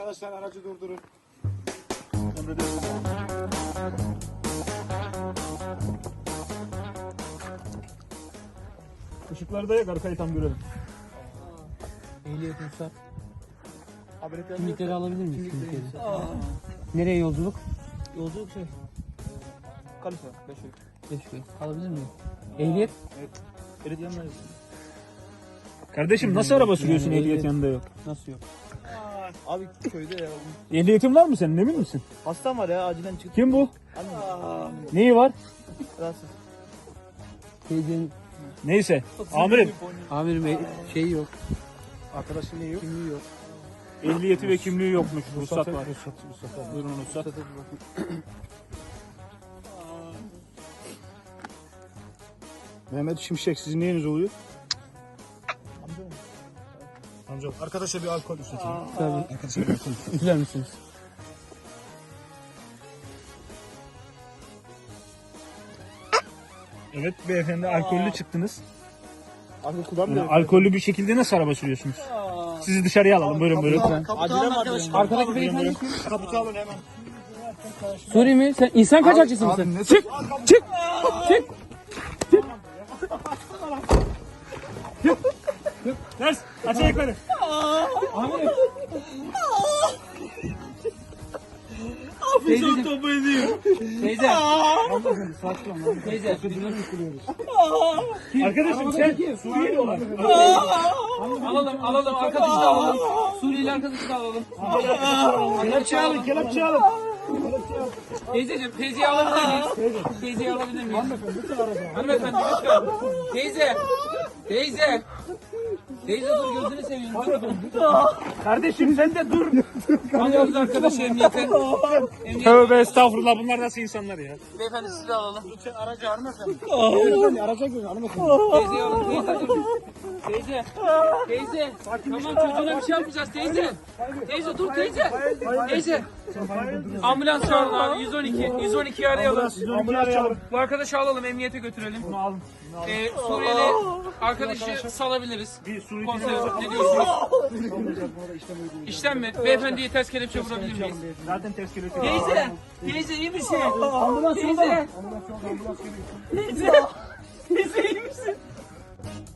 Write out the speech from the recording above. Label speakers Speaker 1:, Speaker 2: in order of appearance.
Speaker 1: Arkadaşlar aracı durdurun.
Speaker 2: Işıkları da yak, arkayı tam görelim.
Speaker 3: Ehliyet ruhsat. Kimlikleri alabilir miyiz? Kimlikleri. Nereye yolculuk?
Speaker 4: Yolculuk şey. Kalife. 5
Speaker 3: Beşköy. Alabilir miyim? Ehliyet?
Speaker 4: Belediye yanındayız.
Speaker 2: Kardeşim nasıl araba sürüyorsun ehliyet yanında yok?
Speaker 3: Nasıl yok?
Speaker 4: Abi köyde ya.
Speaker 2: Ehliyetin var mı senin, emin misin?
Speaker 4: Hastam var ya, acilen çıktı.
Speaker 2: Kim bu?
Speaker 4: Anne.
Speaker 2: Neyi var?
Speaker 4: Rahatsız.
Speaker 3: Teyzenin
Speaker 2: Neyse. Amirim.
Speaker 3: amirim şeyi yok.
Speaker 1: Arkadaşın neyi yok?
Speaker 3: Kimliği yok.
Speaker 2: Ehliyeti ve kimliği yokmuş. Ruhsat var.
Speaker 1: Ruhsat var.
Speaker 2: Buyurun ruhsat. Mehmet Şimşek, sizin neyiniz oluyor? Amca. Arkadaşa bir alkol üstüne.
Speaker 3: Tabii.
Speaker 2: Arkadaşa bir alkol.
Speaker 3: Üfler misiniz?
Speaker 2: Evet beyefendi, alkollü çıktınız.
Speaker 1: Alkol kullanmıyor.
Speaker 2: Alkollü bir şekilde nasıl araba sürüyorsunuz? Sizi dışarıya alalım. Buyurun buyurun.
Speaker 4: Acilen mi arkadaşım?
Speaker 3: Arkadaki beyefendi kim?
Speaker 1: Kaputu alın hemen.
Speaker 3: Suri mi? Sen insan kaçakçısı mısın?
Speaker 2: Çık! Çık! Çık! Ters! Aç ayakları!
Speaker 3: Amirim. Teyzeciğim.
Speaker 2: Topu ediyor.
Speaker 3: Teyze. Teyze.
Speaker 2: Arkadaşım sen Suriyeli olan.
Speaker 3: Alalım. Arkadaşı da alalım. Suriyeli arkadaşı da alalım.
Speaker 2: Kelepçe alın, kelepçe alın.
Speaker 3: Teyzeciğim, teyzeyi alabilir miyiz? Teyzeyi alabilir miyiz? Hanımefendi lütfen. Teyze. Teyze dur, gözünü seveyim. Dur.
Speaker 2: Kardeşim sen de dur.
Speaker 3: Alıyoruz arkadaşı emniyete.
Speaker 2: Tövbe estağfurullah, bunlar nasıl insanlar ya?
Speaker 3: Beyefendi sizi de alalım.
Speaker 1: Lütfen aracı hanımefendi.
Speaker 2: Araca girin hanımefendi.
Speaker 3: Teyzeyi alın. Teyze dur. Teyze. Tamam, çocuğuna bir şey yapmayacağız teyze. Teyze dur teyze. Teyze. Ambulans çağırın abi. 112'yi arayalım.
Speaker 2: Ambulans çağırın.
Speaker 3: Bu arkadaşı alalım, emniyete götürelim.
Speaker 2: Bunu alın.
Speaker 3: Suriyeli arkadaşı salabiliriz.
Speaker 2: Bir Suriyeli
Speaker 3: Komiserim ne diyorsunuz? İşlem mi? Beyefendiye ters kelepçe vurabilir miyiz?
Speaker 2: zaten ters kelepçe.
Speaker 3: Teyze iyi misin? Ambulans teyze. Teyze iyi misin?